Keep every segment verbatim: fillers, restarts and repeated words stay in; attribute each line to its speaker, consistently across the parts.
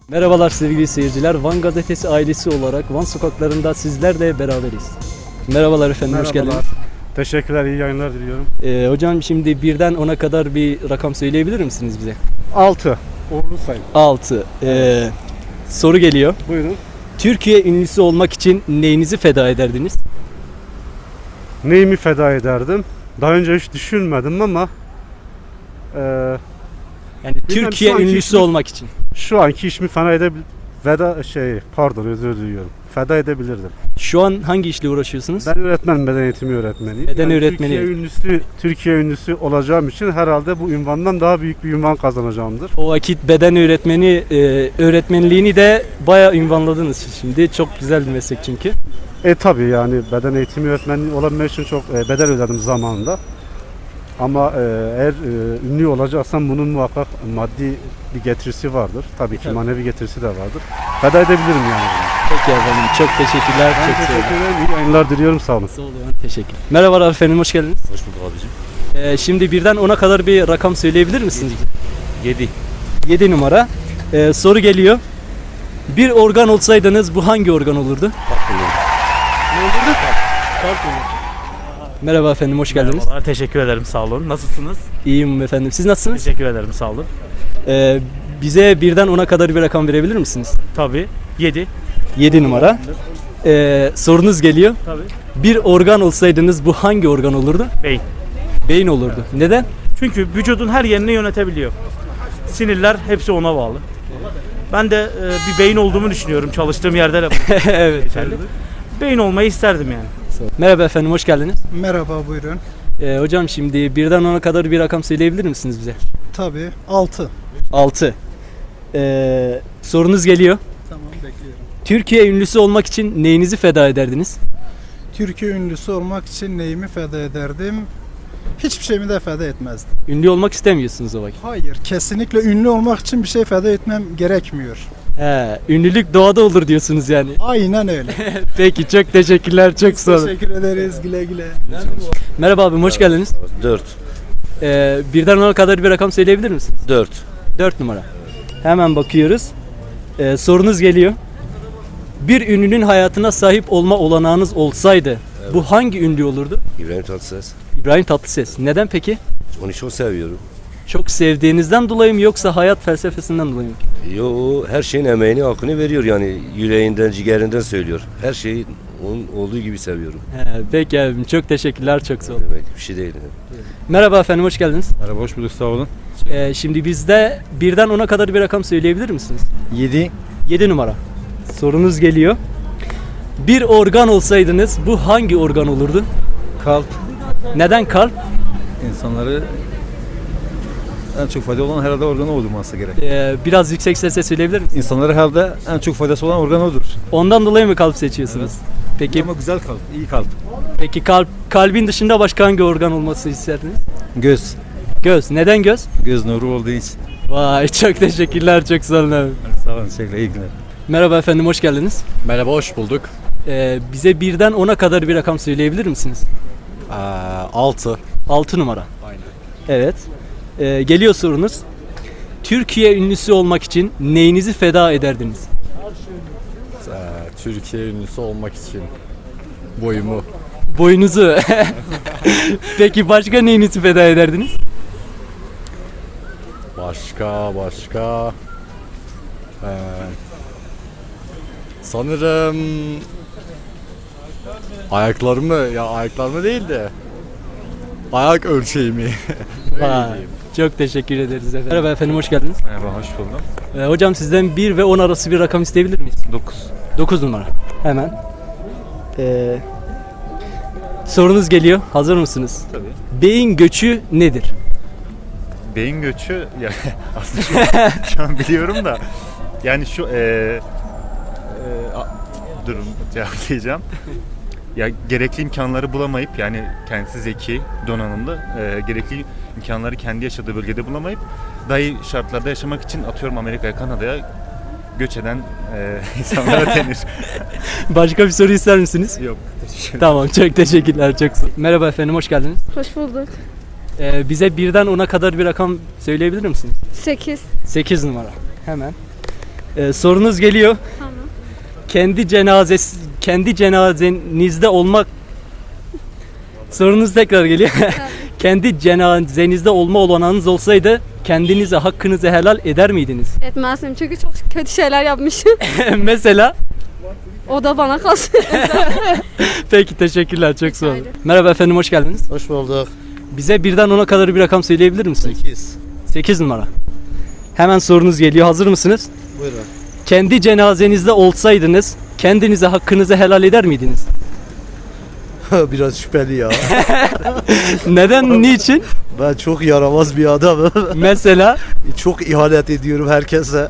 Speaker 1: Merhabalar sevgili seyirciler. Van Gazetesi ailesi olarak Van sokaklarında sizlerle beraberiz. Merhabalar efendim, hoş
Speaker 2: Merhabalar.
Speaker 1: geldiniz.
Speaker 2: Teşekkürler, iyi yayınlar diliyorum.
Speaker 1: Ee, hocam şimdi birden ona kadar bir rakam söyleyebilir misiniz bize?
Speaker 2: altı. Uğurlu sayın.
Speaker 1: altı. Ee, soru geliyor.
Speaker 2: Buyurun.
Speaker 1: Türkiye ünlüsü olmak için neyinizi feda ederdiniz?
Speaker 2: Neyimi feda ederdim? Daha önce hiç düşünmedim ama e,
Speaker 1: Yani
Speaker 2: Bilmem,
Speaker 1: Türkiye
Speaker 2: şu anki
Speaker 1: ünlüsü
Speaker 2: işimiz-
Speaker 1: olmak için.
Speaker 2: şu anki işimi feda edebil veda şey pardon özür diliyorum. Feda edebilirdim.
Speaker 1: Şu an hangi işle uğraşıyorsunuz?
Speaker 2: Ben öğretmenim, beden eğitimi öğretmeniyim.
Speaker 1: Beden öğretmeni.
Speaker 2: Türkiye ünlüsü, Türkiye ünlüsü olacağım için herhalde bu ünvandan daha büyük bir ünvan kazanacağımdır.
Speaker 1: O vakit beden öğretmeni e, öğretmenliğini de bayağı ünvanladınız şimdi. Çok güzel bir meslek çünkü.
Speaker 2: E tabi yani beden eğitimi öğretmenliği olabilmek için çok e, bedel ödedim zamanında. Ama e, eğer e, ünlü olacaksam bunun muhakkak maddi bir getirisi vardır. Tabii ki
Speaker 1: Tabii.
Speaker 2: manevi getirisi de vardır. Feda edebilirim yani.
Speaker 1: Peki efendim, çok teşekkürler.
Speaker 2: Ben
Speaker 1: çok sağ olun.
Speaker 2: teşekkür ederim. İyi yayınlar diliyorum. Sağ olun.
Speaker 1: Sağ olun, teşekkür. Merhabalar efendim, hoş geldiniz.
Speaker 3: Hoş bulduk abicim.
Speaker 1: Ee, şimdi birden ona kadar bir rakam söyleyebilir misiniz?
Speaker 3: yedi.
Speaker 1: yedi numara. Ee, soru geliyor. Bir organ olsaydınız bu hangi organ olurdu? Ne olurdu? Kalp olurdu. Merhaba efendim, hoş geldiniz.
Speaker 3: Merhabalar, teşekkür ederim, sağ olun. Nasılsınız?
Speaker 1: İyiyim efendim. Siz nasılsınız?
Speaker 3: Teşekkür ederim, sağ olun.
Speaker 1: Ee, bize birden ona kadar bir rakam verebilir misiniz?
Speaker 3: Tabii, yedi.
Speaker 1: yedi numara. Ee, sorunuz geliyor.
Speaker 3: Tabii.
Speaker 1: Bir organ olsaydınız bu hangi organ olurdu?
Speaker 3: Beyin.
Speaker 1: Beyin olurdu. Neden?
Speaker 3: Çünkü vücudun her yerini yönetebiliyor. Sinirler hepsi ona bağlı. Ben de e, bir beyin olduğumu düşünüyorum, çalıştığım yerde de bu
Speaker 1: Evet.
Speaker 3: geçerli. Beyin olmayı isterdim yani.
Speaker 1: Merhaba efendim, hoş geldiniz.
Speaker 4: Merhaba, buyurun.
Speaker 1: Ee, hocam şimdi birden ona kadar bir rakam söyleyebilir misiniz bize?
Speaker 4: Tabii. altı.
Speaker 1: altı. Ee, sorunuz geliyor.
Speaker 4: Tamam, bekliyorum.
Speaker 1: Türkiye ünlüsü olmak için neyinizi feda ederdiniz?
Speaker 4: Türkiye ünlüsü olmak için neyimi feda ederdim? Hiçbir şeyimi de feda etmezdim.
Speaker 1: Ünlü olmak istemiyorsunuz o vakit.
Speaker 4: Hayır, kesinlikle ünlü olmak için bir şey feda etmem gerekmiyor.
Speaker 1: He, ünlülük doğada olur diyorsunuz yani.
Speaker 4: Aynen öyle.
Speaker 1: Peki, çok teşekkürler, çok sağ olun.
Speaker 4: Teşekkür ederiz, güle güle.
Speaker 1: Merhaba abim, hoş geldiniz.
Speaker 5: dört.
Speaker 1: Ee, birden ona kadar bir rakam söyleyebilir misiniz?
Speaker 5: dört.
Speaker 1: dört numara. Hemen bakıyoruz. Ee, sorunuz geliyor. Bir ünlünün hayatına sahip olma olanağınız olsaydı bu hangi ünlü olurdu?
Speaker 5: İbrahim Tatlıses.
Speaker 1: İbrahim Tatlıses. Neden peki?
Speaker 5: Onu çok seviyorum.
Speaker 1: Çok sevdiğinizden dolayı mı yoksa hayat felsefesinden dolayı mı?
Speaker 5: Yo, o her şeyin emeğini, hakkını veriyor yani. Yüreğinden, ciğerinden söylüyor. Her şeyi onun olduğu gibi seviyorum.
Speaker 1: He, peki abim, çok teşekkürler, çok sağ olun.
Speaker 5: Demek bir şey değil.
Speaker 1: Merhaba efendim, hoş geldiniz.
Speaker 2: Merhaba, hoş bulduk. Sağ olun.
Speaker 1: Ee, şimdi bizde birden ona kadar bir rakam söyleyebilir misiniz?
Speaker 2: yedi.
Speaker 1: yedi numara. Sorunuz geliyor. Bir organ olsaydınız bu hangi organ olurdu?
Speaker 6: Kalp
Speaker 1: Neden kalp?
Speaker 6: insanları en çok fayda olan herhalde organı olması gerek.
Speaker 1: Ee, biraz yüksek sesle söyleyebilir misiniz?
Speaker 6: İnsanlara herhalde en çok faydası olan organ odur.
Speaker 1: Ondan dolayı mı kalp seçiyorsunuz? Peki,
Speaker 6: Ama güzel kalp, iyi kalp.
Speaker 1: peki kalp kalbin dışında başka hangi organ olması isterdiniz?
Speaker 6: Göz,
Speaker 1: Göz. Neden göz?
Speaker 6: göz nuru olduğu için.
Speaker 1: Vay, çok teşekkürler, çok sağ olun abi.
Speaker 6: Sağ olun, teşekkürler, iyi günler.
Speaker 1: Merhaba efendim, hoş geldiniz.
Speaker 7: Merhaba, hoş bulduk.
Speaker 1: Ee, bize birden ona kadar bir rakam söyleyebilir misiniz?
Speaker 7: Ee, altı.
Speaker 1: altı numara.
Speaker 7: Aynen.
Speaker 1: Evet. Ee, geliyor sorunuz. Türkiye ünlüsü olmak için neyinizi feda ederdiniz?
Speaker 7: Ee, Türkiye ünlüsü olmak için boyumu.
Speaker 1: Boyunuzu. Peki başka neyinizi feda ederdiniz?
Speaker 7: Başka, başka. Ee, sanırım ayaklarımı, ya ayaklarımı değil de ayak ölçeğimi.
Speaker 1: Vay, çok teşekkür ederiz efendim. Merhaba efendim, hoş geldiniz.
Speaker 6: Merhaba, hoş buldum.
Speaker 1: Ee, hocam sizden bir ve on arası bir rakam isteyebilir miyiz?
Speaker 6: dokuz.
Speaker 1: dokuz numara. Hemen. Ee, sorunuz geliyor. Hazır mısınız?
Speaker 8: Tabii.
Speaker 1: Beyin göçü nedir?
Speaker 8: Beyin göçü ya aslında şu an, şu an biliyorum da yani şu e, e, a- durum cevaplayacağım. Ya gerekli imkanları bulamayıp yani kendisi zeki, donanımlı, e, gerekli imkanları kendi yaşadığı bölgede bulamayıp daha iyi şartlarda yaşamak için atıyorum Amerika'ya, Kanada'ya göç eden e, insanlara denir.
Speaker 1: Başka bir soru ister misiniz?
Speaker 8: Yok.
Speaker 1: Tamam, çok teşekkürler, çok sağ olun. Merhaba efendim, hoş geldiniz.
Speaker 9: Hoş bulduk.
Speaker 1: Ee, bize birden ona kadar bir rakam söyleyebilir misiniz?
Speaker 9: sekiz.
Speaker 1: sekiz numara. Hemen. Ee, sorunuz geliyor.
Speaker 9: Tamam.
Speaker 1: Kendi cenazesi kendi cenazenizde olmak Sorunuz tekrar geliyor. Kendi cenazenizde olma olanağınız olsaydı kendinize hakkınızı helal eder miydiniz?
Speaker 9: Etmezdim çünkü çok kötü şeyler yapmışım.
Speaker 1: Mesela?
Speaker 9: O da bana kalsın.
Speaker 1: Peki teşekkürler, çok sağ olun.
Speaker 9: ederim.
Speaker 1: Merhaba efendim, hoş geldiniz.
Speaker 10: Hoş bulduk.
Speaker 1: Bize birden ona kadar bir rakam söyleyebilir misiniz?
Speaker 10: sekiz.
Speaker 1: sekiz numara. Hemen sorunuz geliyor, hazır mısınız?
Speaker 10: Buyurun.
Speaker 1: Kendi cenazenizde olsaydınız kendinize hakkınızı helal eder miydiniz?
Speaker 10: Biraz şüpheli ya.
Speaker 1: Neden, niçin?
Speaker 10: Ben çok yaramaz bir adamım.
Speaker 1: Mesela
Speaker 10: Çok ihanet ediyorum herkese.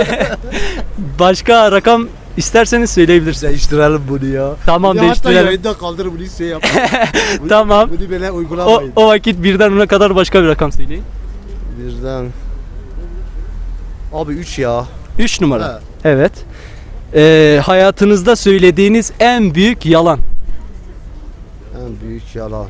Speaker 1: başka rakam isterseniz söyleyebilirsiniz.
Speaker 10: Değiştirelim bunu ya.
Speaker 1: Tamam,
Speaker 10: Bir de hatta
Speaker 1: değiştirelim.
Speaker 10: yayında kaldır bunu şey yap. Bunu-
Speaker 1: Tamam.
Speaker 10: Bunu böyle
Speaker 1: O,
Speaker 10: uygulamayın.
Speaker 1: o vakit birden ona kadar başka bir rakam söyleyin.
Speaker 10: Birden. Abi üç ya.
Speaker 1: üç numara.
Speaker 10: Ha.
Speaker 1: Evet. Ee, hayatınızda söylediğiniz en büyük yalan.
Speaker 10: En büyük yalan.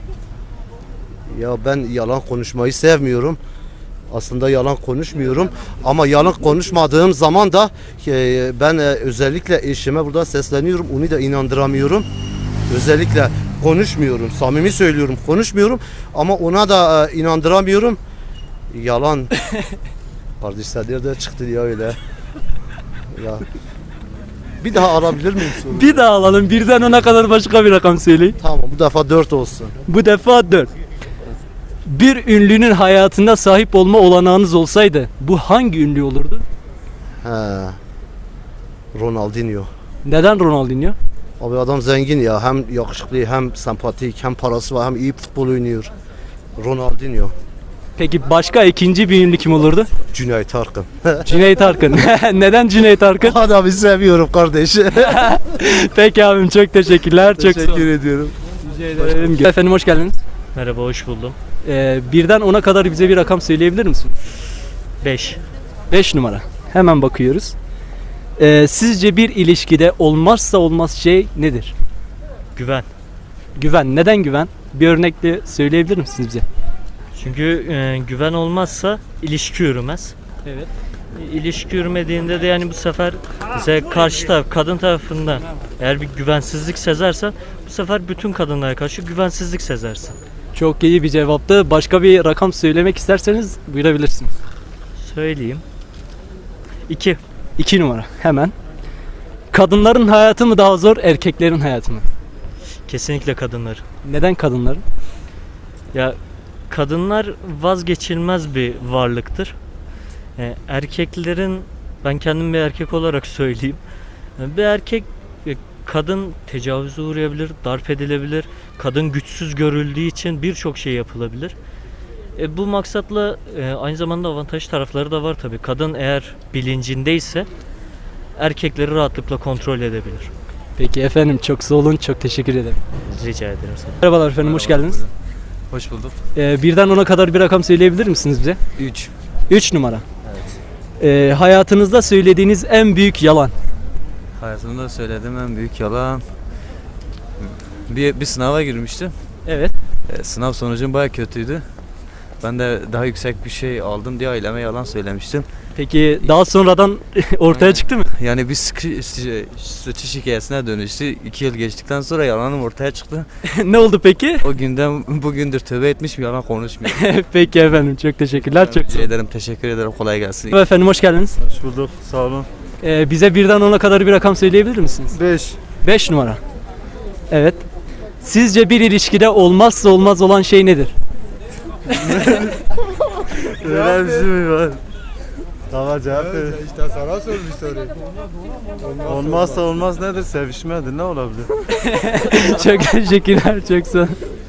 Speaker 10: Ya ben yalan konuşmayı sevmiyorum. Aslında yalan konuşmuyorum ama yalan konuşmadığım zaman da e, ben e, özellikle eşime burada sesleniyorum, onu da inandıramıyorum. Özellikle konuşmuyorum, samimi söylüyorum, konuşmuyorum ama ona da e, inandıramıyorum. Yalan. Kardeşler nerede çıktı ya öyle? Ya. Bir daha alabilir miyim soruyu?
Speaker 1: Bir daha alalım. Birden ona kadar başka bir rakam söyleyin.
Speaker 10: Tamam, bu defa dört olsun.
Speaker 1: Bu defa dört. Bir ünlünün hayatında sahip olma olanağınız olsaydı bu hangi ünlü olurdu?
Speaker 10: He. Ronaldinho.
Speaker 1: Neden Ronaldinho?
Speaker 10: Abi adam zengin ya. Hem yakışıklı, hem sempatik, hem parası var, hem iyi futbol oynuyor. Ronaldinho.
Speaker 1: Peki başka ikinci bir ünlü kim olurdu?
Speaker 10: Cüneyt Arkın.
Speaker 1: Cüneyt Arkın. Neden Cüneyt Arkın?
Speaker 10: Adamı seviyorum kardeş.
Speaker 1: Peki abim, çok teşekkürler. Çok sağ olun.
Speaker 10: Teşekkür ediyorum.
Speaker 1: Ederim. Efendim hoş geldiniz.
Speaker 3: Merhaba, hoş buldum.
Speaker 1: Ee, birden ona kadar bize bir rakam söyleyebilir misiniz?
Speaker 3: beş.
Speaker 1: beş numara. Hemen bakıyoruz. Ee, sizce bir ilişkide olmazsa olmaz şey nedir?
Speaker 3: Güven.
Speaker 1: Güven. Neden güven? Bir örnekle söyleyebilir misiniz bize?
Speaker 3: Çünkü e, güven olmazsa ilişki yürümez.
Speaker 1: Evet.
Speaker 3: E, İlişki yürümediğinde de yani bu sefer bize karşı taraf, kadın tarafından eğer bir güvensizlik sezersen bu sefer bütün kadınlara karşı güvensizlik sezersin.
Speaker 1: Çok iyi bir cevaptı. Başka bir rakam söylemek isterseniz buyurabilirsiniz.
Speaker 3: Söyleyeyim. iki.
Speaker 1: iki numara. Hemen. Kadınların hayatı mı daha zor, erkeklerin hayatı mı?
Speaker 3: Kesinlikle kadınlar.
Speaker 1: Neden kadınların?
Speaker 3: Ya kadınlar vazgeçilmez bir varlıktır. E, erkeklerin, ben kendim bir erkek olarak söyleyeyim. E, bir erkek, e, kadın tecavüze uğrayabilir, darp edilebilir. Kadın güçsüz görüldüğü için birçok şey yapılabilir. E, bu maksatla e, aynı zamanda avantaj tarafları da var tabii. Kadın eğer bilincindeyse erkekleri rahatlıkla kontrol edebilir.
Speaker 1: Peki efendim, çok sağ olun. Çok teşekkür ederim.
Speaker 3: Rica ederim sana.
Speaker 1: Merhabalar efendim, hoş geldiniz.
Speaker 6: Hoş bulduk.
Speaker 1: Ee, birden ona kadar bir rakam söyleyebilir misiniz bize?
Speaker 6: üç.
Speaker 1: üç numara. Ee, hayatınızda söylediğiniz en büyük yalan.
Speaker 6: Hayatımda söylediğim en büyük yalan. Bir, bir sınava girmiştim.
Speaker 1: Evet.
Speaker 6: E, sınav sonucum baya kötüydü. Ben de daha yüksek bir şey aldım diye aileme yalan söylemiştim.
Speaker 1: Peki daha sonradan ortaya çıktı mı?
Speaker 6: Yani bir sıkı, sıçış hikayesine dönüştü. İki yıl geçtikten sonra yalanım ortaya çıktı.
Speaker 1: Ne oldu peki?
Speaker 6: O günden bugündür tövbe etmişim, yalan konuşmuyorum.
Speaker 1: Peki efendim, çok teşekkürler. Çok sağ
Speaker 6: Rica
Speaker 1: olun.
Speaker 6: ederim, teşekkür ederim, kolay gelsin.
Speaker 1: Efendim hoş geldiniz.
Speaker 7: Hoş bulduk. Sağ olun.
Speaker 1: Ee, bize birden ona kadar bir rakam söyleyebilir misiniz?
Speaker 7: beş.
Speaker 1: beş numara. Evet. Sizce bir ilişkide olmazsa olmaz olan şey nedir?
Speaker 7: Öyle bir şey mi var? Tamam, cevap ver.
Speaker 4: İşte sana sormuş soruyu.
Speaker 7: Olmazsa olmaz nedir? Sevişmedir. Ne olabilir?
Speaker 1: Çok teşekkürler. Çok sağ olun.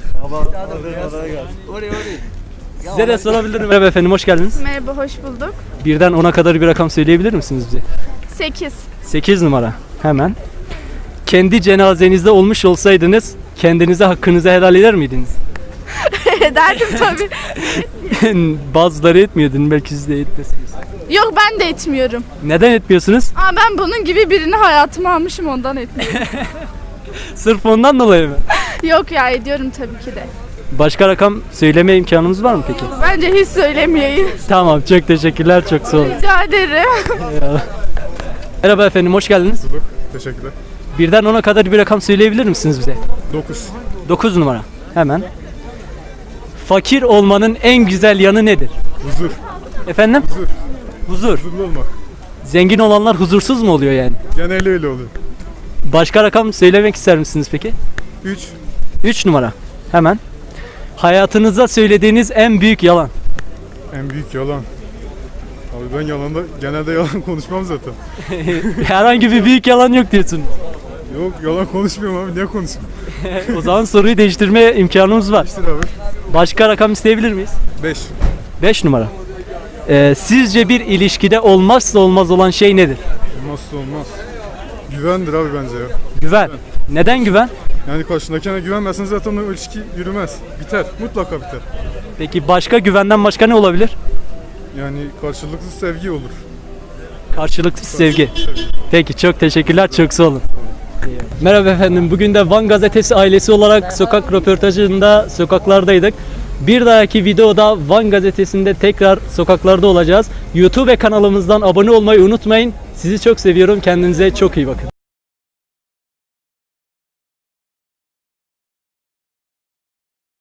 Speaker 1: Size de sorabilirim. Merhaba efendim, hoş geldiniz.
Speaker 9: Merhaba, hoş bulduk.
Speaker 1: Birden ona kadar bir rakam söyleyebilir misiniz bize?
Speaker 9: sekiz.
Speaker 1: sekiz numara. Hemen. Kendi cenazenizde olmuş olsaydınız kendinize hakkınızı helal eder miydiniz?
Speaker 9: Ederdim tabii.
Speaker 1: Bazıları etmiyordun, belki siz de etmesiniz.
Speaker 9: Yok, ben de etmiyorum.
Speaker 1: Neden etmiyorsunuz?
Speaker 9: Ama ben bunun gibi birini hayatıma almışım, ondan etmiyorum.
Speaker 1: Sırf ondan dolayı mı?
Speaker 9: Yok ya, ediyorum tabii ki de.
Speaker 1: Başka rakam söyleme imkanımız var mı peki?
Speaker 9: Bence hiç söylemeyeyim.
Speaker 1: Tamam, çok teşekkürler, çok sağ olun.
Speaker 9: Rica ederim.
Speaker 1: Eyvallah. Merhaba efendim, hoş geldiniz.
Speaker 7: Teşekkürler.
Speaker 1: Birden ona kadar bir rakam söyleyebilir misiniz bize?
Speaker 7: dokuz.
Speaker 1: dokuz numara. Hemen. Fakir olmanın en güzel yanı nedir?
Speaker 7: Huzur.
Speaker 1: Efendim?
Speaker 7: Huzur.
Speaker 1: Huzur.
Speaker 7: Huzurlu olmak.
Speaker 1: Zengin olanlar huzursuz mu oluyor yani?
Speaker 7: Genelde öyle oluyor.
Speaker 1: Başka rakam söylemek ister misiniz peki?
Speaker 7: üç.
Speaker 1: üç numara. Hemen. Hayatınızda söylediğiniz en büyük yalan.
Speaker 7: En büyük yalan. Abi ben yalanda genelde yalan konuşmam zaten.
Speaker 1: Herhangi bir büyük yalan yok diyorsun.
Speaker 7: Yok yalan konuşmuyorum abi. Niye konuşayım?
Speaker 1: O zaman soruyu değiştirme imkanımız var.
Speaker 7: İşte abi.
Speaker 1: Başka rakam isteyebilir miyiz?
Speaker 7: beş.
Speaker 1: beş numara. Ee, sizce bir ilişkide olmazsa olmaz olan şey nedir?
Speaker 7: Olmazsa olmaz. Güvendir abi bence ya.
Speaker 1: Güven. Neden güven?
Speaker 7: Yani karşındakine güvenmezsen zaten o ilişki yürümez. Biter. Mutlaka biter.
Speaker 1: Peki başka güvenden başka ne olabilir?
Speaker 7: Yani karşılıklı sevgi olur.
Speaker 1: Karşılıksız sevgi. Peki çok teşekkürler, çok sağ olun. Merhaba efendim, bugün de Van Gazetesi ailesi olarak sokak röportajında sokaklardaydık. Bir dahaki videoda Van Gazetesi'nde tekrar sokaklarda olacağız. YouTube kanalımızdan abone olmayı unutmayın. Sizi çok seviyorum, kendinize çok iyi bakın.